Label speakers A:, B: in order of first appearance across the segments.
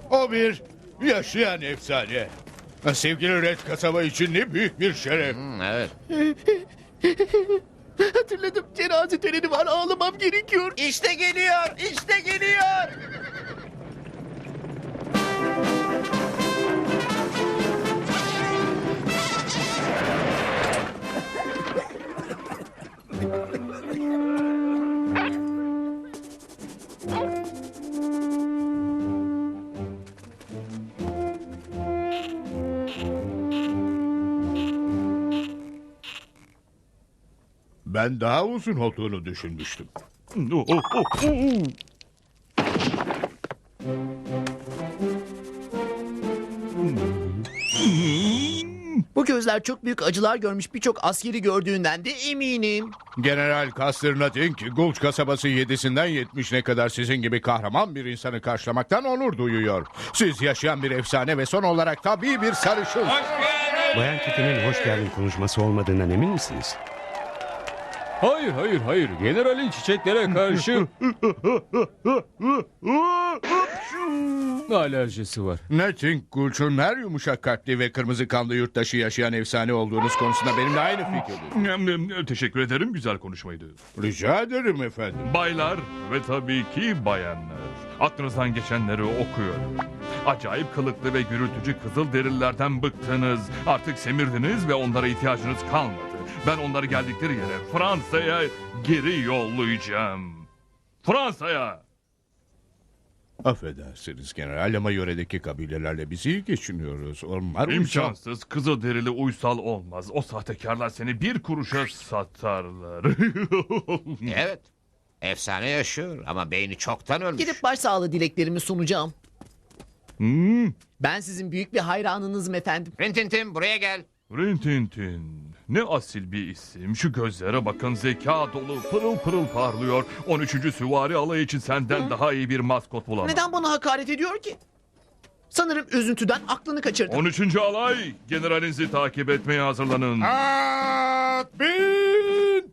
A: O bir yaşayan efsane. Sevgili Red kasaba için ne büyük bir şeref.
B: Evet.
C: Hatırladım, cenaze töreni var, ağlamam gerekiyor.
B: İşte geliyor, işte geliyor.
A: Ben daha uzun olduğunu düşünmüştüm.
C: Bu gözler çok büyük acılar görmüş birçok askeri gördüğünden de eminim.
A: General Custer'ına deyin ki Gulch kasabası 7'sinden 70'ine kadar sizin gibi kahraman bir insanı karşılamaktan onur duyuyor. Siz yaşayan bir efsane ve son olarak tabii bir sarışın.
D: Bayan Kitty'nin hoş geldin konuşması olmadığından emin misiniz?
E: Hayır. Generalin çiçeklere karşı alerjisi var.
A: Nathan Gulch'un her yumuşak kalpli ve kırmızı kanlı yurttaşı yaşayan efsane olduğunuz konusunda benimle aynı fikirde.
F: Teşekkür ederim, güzel konuşmaydı.
A: Rica ederim efendim.
F: Baylar ve tabii ki bayanlar, aklınızdan geçenleri okuyorum. Acayip kılıklı ve gürültücü Kızılderililerden bıktınız. Artık semirdiniz ve onlara ihtiyacınız kalmadı. Ben onları geldikleri yere Fransa'ya geri yollayacağım. Fransa'ya!
A: Affedersiniz general ama yöredeki kabilelerle biz iyi geçiniyoruz. Onlar
F: İmkansız, Kızılderili uysal olmaz. O sahtekarlar seni bir kuruşa satarlar.
B: Evet. Efsane yaşıyor ama beyni çoktan ölmüş.
C: Gidip başsağlığı dileklerimi sunacağım. Ben sizin büyük bir hayranınızım efendim.
B: Rintintin buraya gel.
F: Rintintin. Ne asil bir isim. Şu gözlere bakın, zeka dolu, pırıl pırıl parlıyor. 13. Süvari alayı için senden daha iyi bir maskot bulamam.
C: Neden bana hakaret ediyor ki? Sanırım üzüntüden aklını kaçırdı.
F: 13. alay, generalinizi takip etmeye hazırlanın.
A: At bin!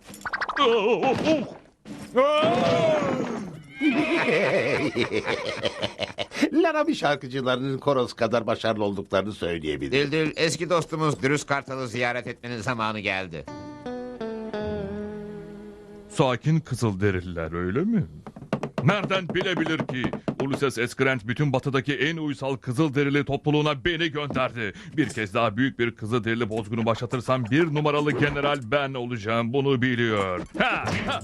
G: Larabi şarkıcılarının Koros kadar başarılı olduklarını söyleyebilirim.
B: Dildil, eski dostumuz Dürüst Kartal'ı ziyaret etmenin zamanı geldi.
F: Sakin Kızılderililer, öyle mi? Nereden bilebilir ki? Ulysses S. Grant bütün batıdaki en uysal Kızılderili topluluğuna beni gönderdi. Bir kez daha büyük bir Kızılderili bozgunu başlatırsam 1 numaralı general ben olacağım. Bunu biliyor. Ha, ha.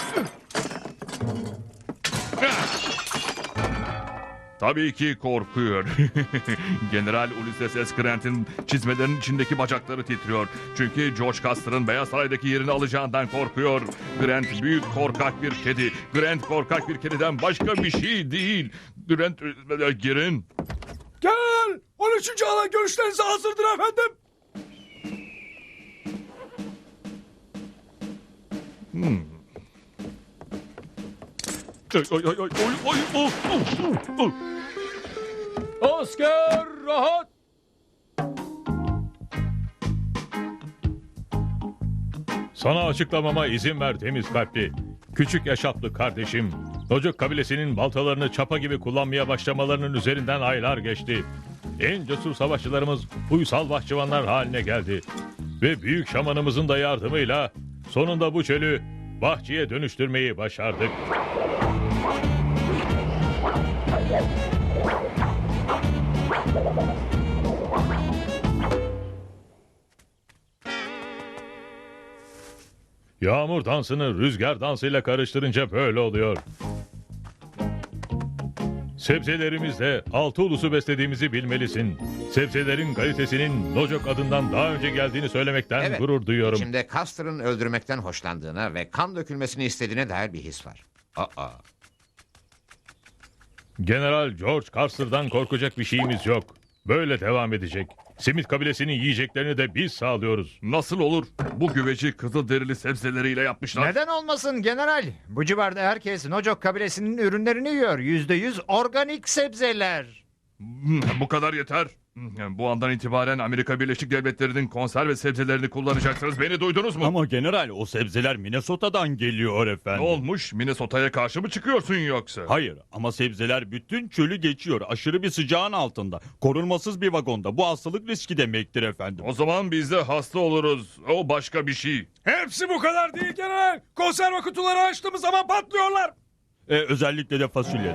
F: Tabii ki korkuyor. General Ulysses S. Grant'in çizmelerinin içindeki bacakları titriyor. Çünkü George Custer'ın Beyaz Saray'daki yerini alacağından korkuyor. Grant büyük korkak bir kedi. Grant korkak bir kediden başka bir şey değil. Grant girin.
E: Gel! 13. alay görüşlerinize hazırdır efendim. Asker rahat!
H: Sana açıklamama izin ver temiz kalpli. Küçük yaşaplı kardeşim. Nocuk kabilesinin baltalarını çapa gibi kullanmaya başlamalarının üzerinden aylar geçti. En cesur savaşçılarımız uysal bahçıvanlar haline geldi. Ve büyük şamanımızın da yardımıyla sonunda bu çölü bahçeye dönüştürmeyi başardık. Yağmur dansını rüzgar dansıyla karıştırınca böyle oluyor. Sebzelerimizle 6 ulusu beslediğimizi bilmelisin. Sebzelerin kalitesinin Nocok adından daha önce geldiğini söylemekten
B: Evet.
H: gurur duyuyorum.
B: İçimde Custer'ın öldürmekten hoşlandığına ve kan dökülmesini istediğine dair bir his var.
H: General George Custer'dan korkacak bir şeyimiz yok. Böyle devam edecek. Simit kabilesinin yiyeceklerini de biz sağlıyoruz.
F: Nasıl olur? Bu güveci Kızılderili sebzeleriyle yapmışlar.
I: Neden olmasın general? Bu civarda herkes Nocok kabilesinin ürünlerini yiyor. %100 organik sebzeler.
F: Bu kadar yeter. Bu andan itibaren Amerika Birleşik Devletleri'nin konserve sebzelerini kullanacaksınız. Beni duydunuz mu?
J: Ama general o sebzeler Minnesota'dan geliyor
F: Ne
J: efendim.
F: olmuş? Minnesota'ya karşı mı çıkıyorsun yoksa?
J: Hayır ama sebzeler bütün çölü geçiyor. Aşırı bir sıcağın altında. Korunmasız bir vagonda. Bu hastalık riski demektir efendim.
F: O zaman biz de hasta oluruz. O başka bir şey.
E: Hepsi bu kadar değil general. Konserve kutuları açtığımız zaman patlıyorlar.
J: Özellikle de fasulyeler.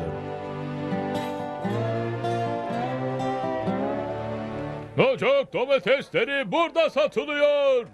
H: Nocok domatesleri burada satılıyor.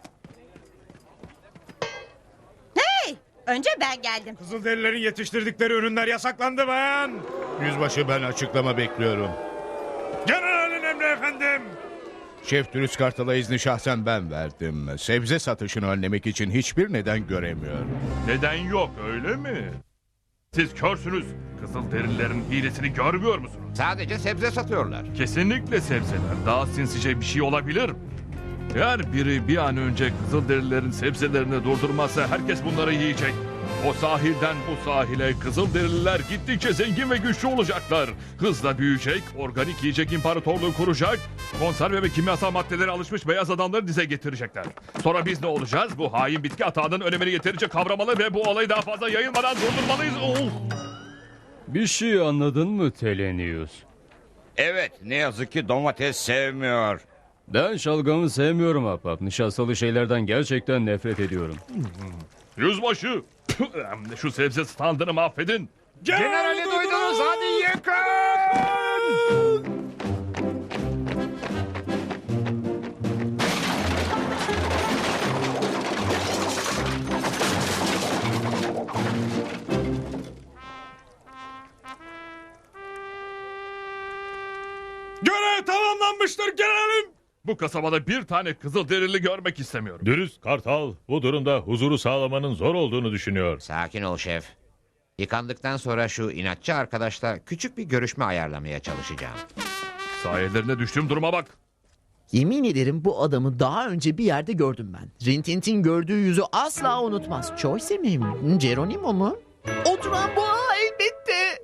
K: Önce ben geldim.
E: Kızılderililerin yetiştirdikleri ürünler yasaklandı bayan.
A: Yüzbaşı, ben açıklama bekliyorum.
E: Generalin emri efendim.
A: Şef Dürüst Kartal'a izni şahsen ben verdim. Sebze satışını önlemek için hiçbir neden göremiyorum.
F: Neden yok öyle mi? Siz körsünüz. Kızılderililerin hilesini görmüyor musunuz?
B: Sadece sebze satıyorlar.
F: Kesinlikle sebzeler. Daha sinsice bir şey olabilir. Eğer biri bir an önce Kızılderililerin sebzelerini durdurmazsa herkes bunları yiyecek. O sahilden bu sahile Kızılderililer gittikçe zengin ve güçlü olacaklar. Hızla büyüyecek, organik yiyecek imparatorluğu kuracak. Konserve ve kimyasal maddelere alışmış beyaz adamları dize getirecekler. Sonra biz ne olacağız? Bu hain bitki atağının önemini yeterince kavramalı ve bu olayı daha fazla yayılmadan durdurmalıyız.
J: Bir şey anladın mı Telenius?
B: Evet, ne yazık ki domates sevmiyor.
J: Ben şalgamı sevmiyorum ahbap. Nişastalı şeylerden gerçekten nefret ediyorum.
F: Yüzbaşı! Şu sebze standını mahvedin.
E: Generali duydunuz, hadi yakın. Görev tamamlanmıştır generalim.
F: Bu kasabada bir tane Kızılderili görmek istemiyorum.
H: Dürüst Kartal bu durumda huzuru sağlamanın zor olduğunu düşünüyor.
B: Sakin ol şef. Yıkandıktan sonra şu inatçı arkadaşla küçük bir görüşme ayarlamaya çalışacağım.
F: Sayelerine düştüğüm duruma bak.
C: Yemin ederim bu adamı daha önce bir yerde gördüm ben. Rintintin gördüğü yüzü asla unutmaz. Choice mi? Geronimo mu? Oturan boğa elbette.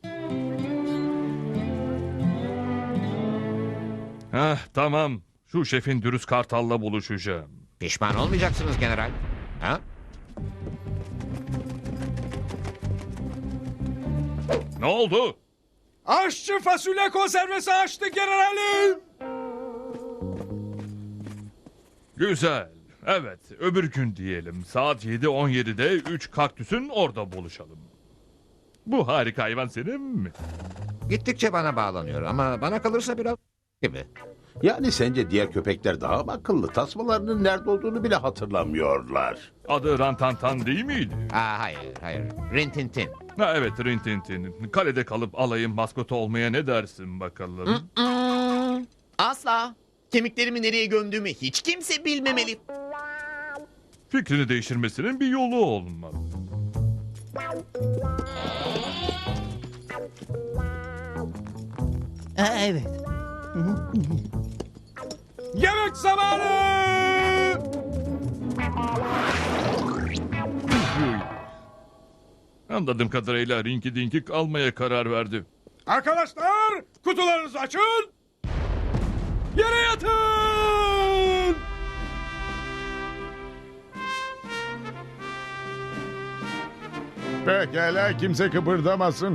F: Tamam. Şu şefin Dürüst Kartal'la buluşacağım.
B: Pişman olmayacaksınız general. Ha?
F: Ne oldu?
E: Aşçı fasulye konservesi açtı generalim.
F: Güzel. Evet, öbür gün diyelim. Saat 7:17'de 3 kaktüsün orada buluşalım. Bu harika hayvan senin mi?
B: Gittikçe bana bağlanıyor ama bana kalırsa biraz gibi.
G: Yani sence diğer köpekler daha mı akıllı? Tasmalarının nerede olduğunu bile hatırlamıyorlar.
F: Adı Rantantan değil miydi?
B: Hayır. Rintintin.
F: Evet, Rintintin. Kalede kalıp alayın maskotu olmaya ne dersin bakalım?
C: Asla. Kemiklerimi nereye gömdüğümü hiç kimse bilmemeli.
F: Fikrini değiştirmesinin bir yolu olmalı.
C: Evet.
E: Yemek zamanı.
F: Anladığım kadarıyla Rinky Dinky almaya karar verdi.
E: Arkadaşlar, kutularınızı açın. Yere yatın.
A: Pekala, kimse kıpırdamasın.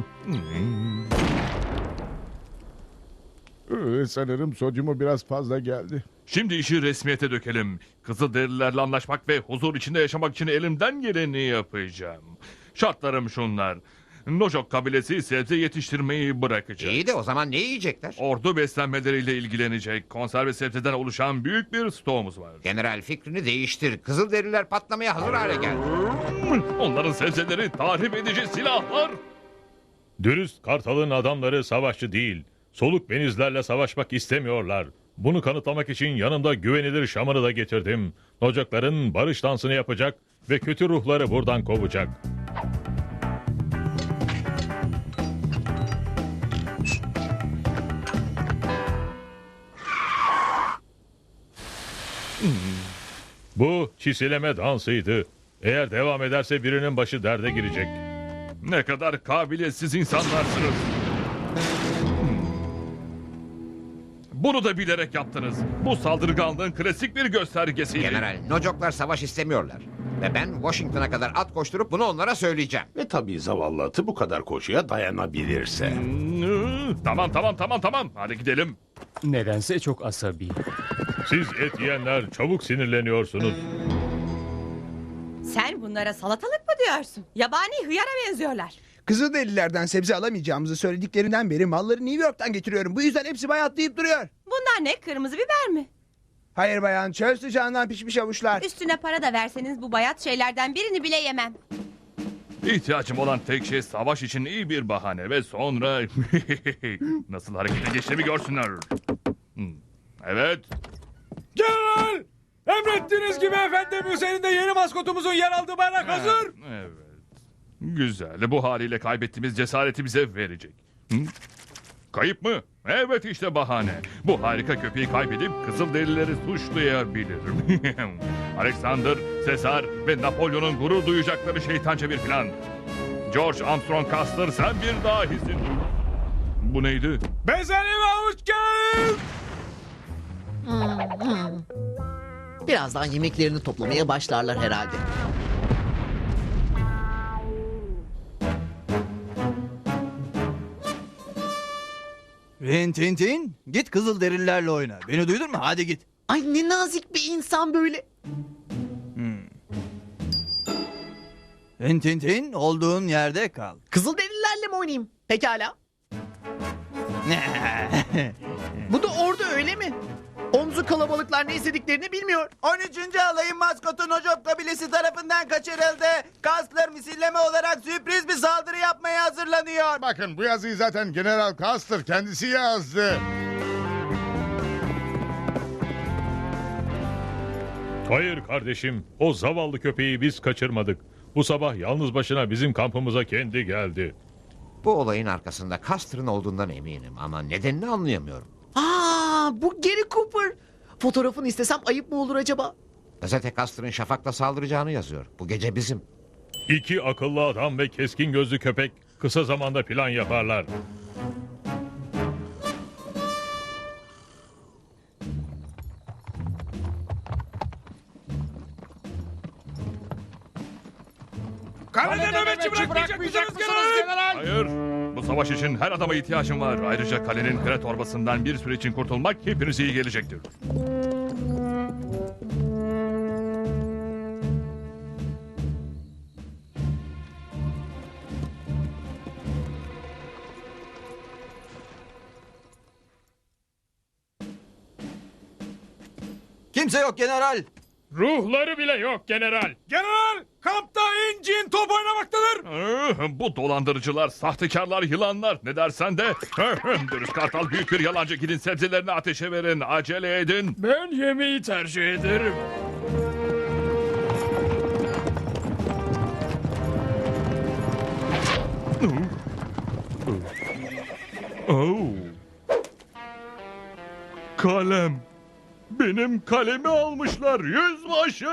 A: Sanırım sodyumu biraz fazla geldi.
F: Şimdi işi resmiyete dökelim. Kızılderililerle anlaşmak ve huzur içinde yaşamak için elimden geleni yapacağım. Şartlarım şunlar. Nojok kabilesi sebze yetiştirmeyi bırakacak.
B: İyi de o zaman ne yiyecekler?
F: Ordu beslenmeleriyle ilgilenecek. Konserve sebzeden oluşan büyük bir stoğumuz var.
B: General fikrini değiştir. Kızılderililer patlamaya hazır hale geldi.
F: Onların sebzeleri tahrip edici silahlar.
H: Dürüst Kartal'ın adamları savaşçı değil. Soluk benizlerle savaşmak istemiyorlar. Bunu kanıtlamak için yanımda güvenilir şamanı da getirdim. Nocakların barış dansını yapacak ve kötü ruhları buradan kovacak. Bu çisileme dansıydı. Eğer devam ederse birinin başı derde girecek.
F: Ne kadar kabiliyetsiz insanlarsınız. Bunu da bilerek yaptınız. Bu saldırganlığın klasik bir göstergesiydi.
B: General, Nocoklar savaş istemiyorlar. Ve ben Washington'a kadar at koşturup bunu onlara söyleyeceğim.
G: Ve tabii zavallı atı bu kadar koşuya dayanabilirse.
F: Tamam. Hadi gidelim.
E: Nedense çok asabi.
H: Siz et yiyenler çabuk sinirleniyorsunuz.
K: Sen bunlara salatalık mı diyorsun? Yabani hıyara benziyorlar.
L: Kızılderililerden sebze alamayacağımızı söylediklerinden beri malları New York'tan getiriyorum. Bu yüzden hepsi bayatlayıp duruyor.
K: Bunlar ne? Kırmızı biber mi?
L: Hayır bayan, çöl sıcağından pişmiş avuçlar.
K: Üstüne para da verseniz bu bayat şeylerden birini bile yemem.
F: İhtiyacım olan tek şey savaş için iyi bir bahane ve sonra nasıl harekete geçtiğimi görsünler. Evet.
E: General! Emrettiğiniz gibi efendim, üzerinde yeni maskotumuzun yer aldığı bayrak hazır.
F: Evet. Güzel. Bu haliyle kaybettiğimiz cesareti bize verecek. Kayıp mı? Evet, işte bahane. Bu harika köpeği kaybedip Kızılderilileri suçlayabilirim. Alexander, Caesar ve Napolyon'un gurur duyacakları şeytanca bir plan. George Armstrong Custer, sen bir dahisin. Bu neydi?
E: Bezelye ve havuç gel!
C: Birazdan yemeklerini toplamaya başlarlar herhalde.
L: Rintintin, git Kızılderililerle oyna. Beni duydun mu? Hadi git.
C: Ay ne nazik bir insan böyle.
L: Rintintin, olduğun yerde kal.
C: Kızılderililerle mi oynayayım? Pekala. Bu da orada öyle mi? Omzu kalabalıklar ne istediklerini bilmiyor.
L: 13. alayın maskotu Nocok kabilesi tarafından kaçırıldı. Kastler misilleme olarak sürpriz bir saldırı yapmaya hazırlanıyor.
A: Bakın, bu yazıyı zaten General Custer kendisi yazdı.
H: Hayır kardeşim, o zavallı köpeği biz kaçırmadık. Bu sabah yalnız başına bizim kampımıza kendi geldi.
B: Bu olayın arkasında Custer'ın olduğundan eminim ama nedenini anlayamıyorum.
C: Bu Gary Cooper. Fotoğrafını istesem ayıp mı olur acaba?
B: Gazete Custer'ın şafakla saldıracağını yazıyor. Bu gece bizim.
H: İki akıllı adam ve keskin gözlü köpek kısa zamanda plan yaparlar.
E: Kalede nöbetçi bırakmayacak mısınız general?
F: Hayır. Bu savaş için her adama ihtiyacım var. Ayrıca kalenin kre torbasından bir süre için kurtulmak hepinize iyi gelecektir.
L: Kimse yok general.
H: Ruhları bile yok general.
E: General, kampta incin top oynamaktadır.
F: Bu dolandırıcılar, sahtekarlar, yılanlar. Ne dersen de. Dürüst Kartal büyük bir yalancı. Gidin sebzelerini ateşe verin. Acele edin.
E: Ben yemeği tercih ederim.
F: Kalem. Benim kalemi almışlar yüzbaşı.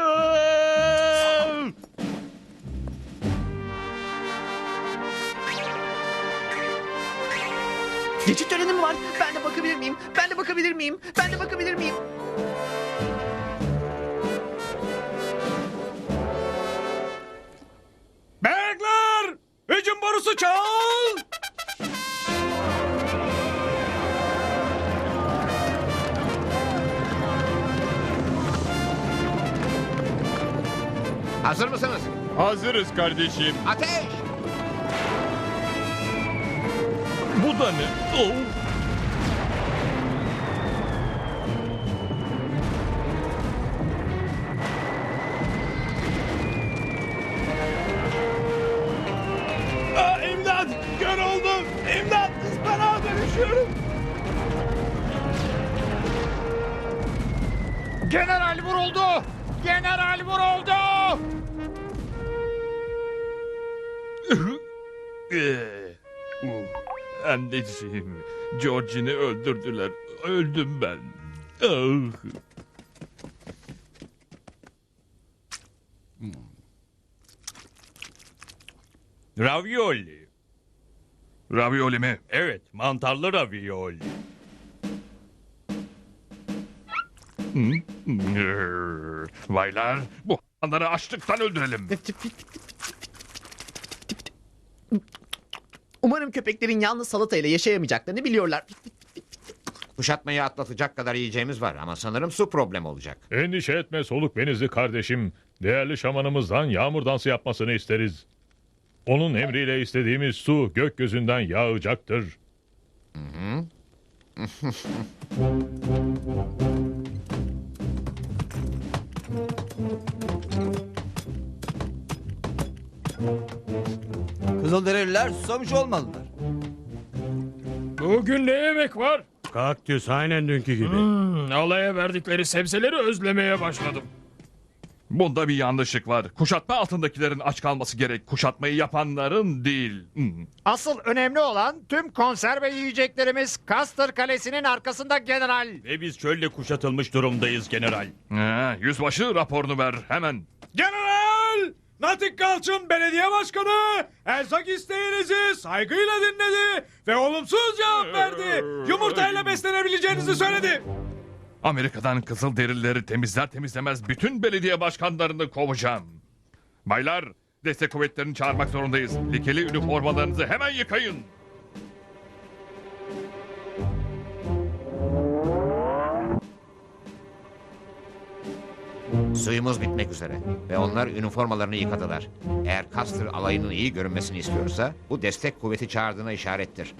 C: Geçit töreni mi var? Ben de bakabilir miyim? Ben de bakabilir miyim? Ben de bakabilir miyim?
E: Beyler, hücum borusu çal.
B: Hazır mısınız?
J: Hazırız kardeşim.
B: Ateş!
F: Bu da ne? Oh.
E: İmdat, kör oldum. İmdat, ıspanağa dönüşüyorum. General vuruldu. General vuruldu.
F: Anneciğim, George'ini öldürdüler. Öldüm ben. Ah.
J: Ravioli.
F: Ravioli mi?
J: Evet, mantarlı ravioli.
F: Baylar, bu hayvanları açlıktan öldürelim.
C: Umarım köpeklerin yalnız salatayla yaşayamayacaklarını biliyorlar.
B: Kuşatmayı atlatacak kadar yiyeceğimiz var ama sanırım su problemi olacak.
H: Endişe etme soluk benizli kardeşim. Değerli şamanımızdan yağmur dansı yapmasını isteriz. Onun emriyle istediğimiz su gökyüzünden yağacaktır.
L: Kızılderililer susamış olmalılar.
E: Bugün ne yemek var?
D: Kaktüs aynen dünkü gibi.
E: Alaya verdikleri sebzeleri özlemeye başladım.
F: Bunda bir yanlışlık var. Kuşatma altındakilerin aç kalması gerek. Kuşatmayı yapanların değil.
I: Asıl önemli olan tüm konserve yiyeceklerimiz Custer Kalesi'nin arkasında general.
J: Ve biz çölle kuşatılmış durumdayız general.
F: Yüzbaşı raporunu ver hemen.
E: General! Natik Kalçın Belediye Başkanı erzak isteğinizi saygıyla dinledi ve olumsuz cevap verdi. Yumurtayla beslenebileceğinizi söyledi.
F: Amerika'dan Kızılderilileri temizler temizlemez bütün belediye başkanlarını kovacağım. Baylar, destek kuvvetlerini çağırmak zorundayız. Lekeli üniformalarınızı hemen yıkayın.
B: Suyumuz bitmek üzere ve onlar üniformalarını yıkadılar. Eğer Custer alayının iyi görünmesini istiyorsa bu destek kuvveti çağırdığına işarettir.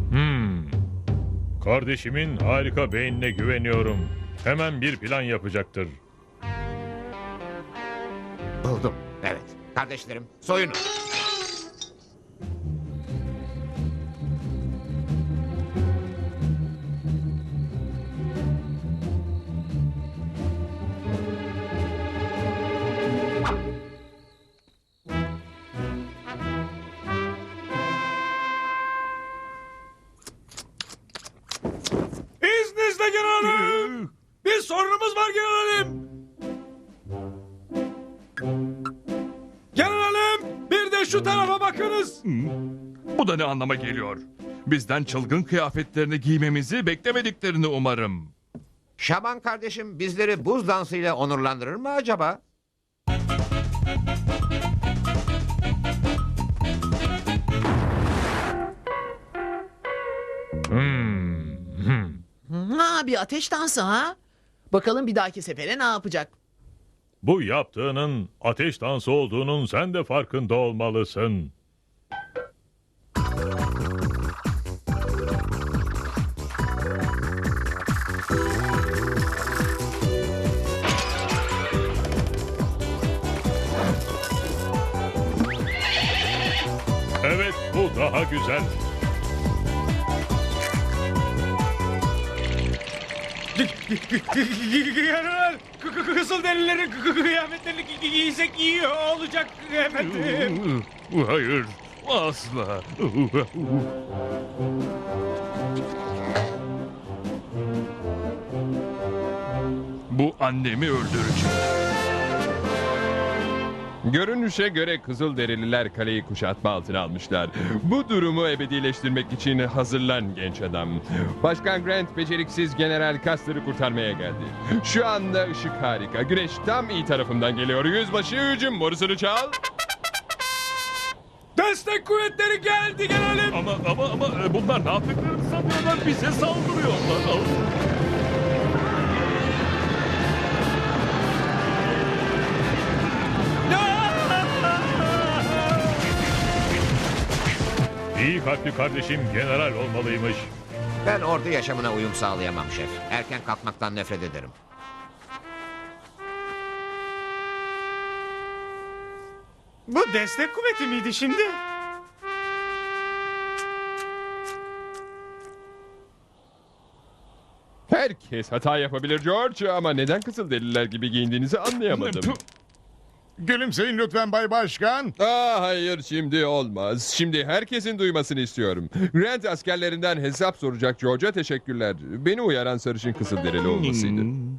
H: Kardeşimin harika beynine güveniyorum. Hemen bir plan yapacaktır.
B: Buldum. Evet. Kardeşlerim soyunun.
E: İzninizle generalim. Bir sorunumuz var generalim. Generalim bir de şu tarafa bakınız.
F: Bu da ne anlama geliyor? Bizden çılgın kıyafetlerini giymemizi beklemediklerini umarım.
B: Şaban kardeşim bizleri buz dansıyla onurlandırır mı acaba?
C: Ha, bir ateş dansı ha? Bakalım bir dahaki sefere ne yapacak?
H: Bu yaptığının ateş dansı olduğunun sen de farkında olmalısın. Evet, bu daha güzel.
E: General Kızılderililerin kıyafetlerini giysek iyi olacak efendim.
F: Hayır, asla. Bu annemi öldürecek.
M: Görünüşe göre Kızılderililer kaleyi kuşatma altına almışlar. Bu durumu ebedileştirmek için hazırlan genç adam. Başkan Grant beceriksiz General Custer'ı kurtarmaya geldi. Şu anda ışık harika. Güneş tam iyi tarafından geliyor. Yüzbaşı hücum borusunu çal.
E: Destek kuvvetleri geldi generalim.
F: Ama bunlar ne yaptıklarını sanıyorlar? Bize saldırıyorlar.
H: İyi kalpli kardeşim general olmalıymış.
B: Ben ordu yaşamına uyum sağlayamam şef. Erken kalkmaktan nefret ederim.
E: Bu destek kuvveti miydi şimdi?
M: Herkes hata yapabilir George ama neden Kızılderililer gibi giyindiğinizi anlayamadım.
A: Gülümseyin lütfen Bay Başkan.
M: Hayır şimdi olmaz. Şimdi herkesin duymasını istiyorum. Grant askerlerinden hesap soracak George'a teşekkürler. Beni uyaran sarışın Kızılderili olmasıydı.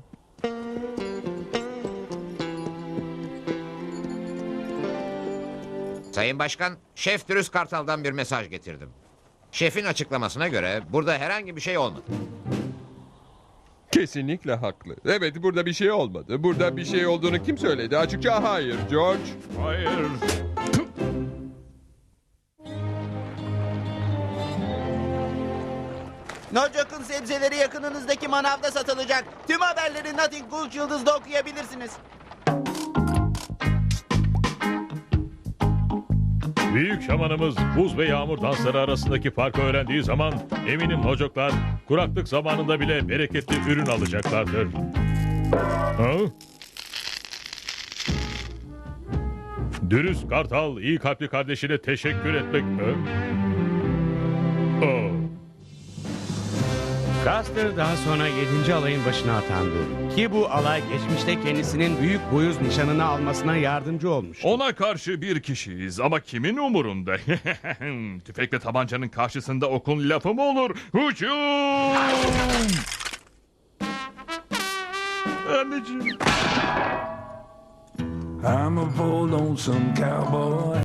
B: Sayın Başkan, Şef Dürüst Kartal'dan bir mesaj getirdim. Şefin açıklamasına göre burada herhangi bir şey olmadı.
M: Kesinlikle haklı. Evet, burada bir şey olmadı. Burada bir şey olduğunu kim söyledi? Açıkça hayır George.
F: Hayır.
L: Nocok'un sebzeleri yakınınızdaki manavda satılacak. Tüm haberleri Nothing Gulch Yıldız'da okuyabilirsiniz.
H: Büyük şamanımız buz ve yağmur dansları arasındaki farkı öğrendiği zaman eminim Nocoklar kuraklık zamanında bile bereketli ürün alacaklardır. Ha? Dürüst Kartal iyi kalpli kardeşine teşekkür etmek mi? Oh.
D: Custer daha sonra 7. alayın başına atandı. Ki bu alay geçmişte kendisinin büyük boyuz nişanını almasına yardımcı olmuş.
F: Ona karşı bir kişiyiz ama kimin umurunda? Tüfek ve tabancanın karşısında okun lafı mı olur? Hücum! Anneciğim.
N: I'm a bold lonesome cowboy.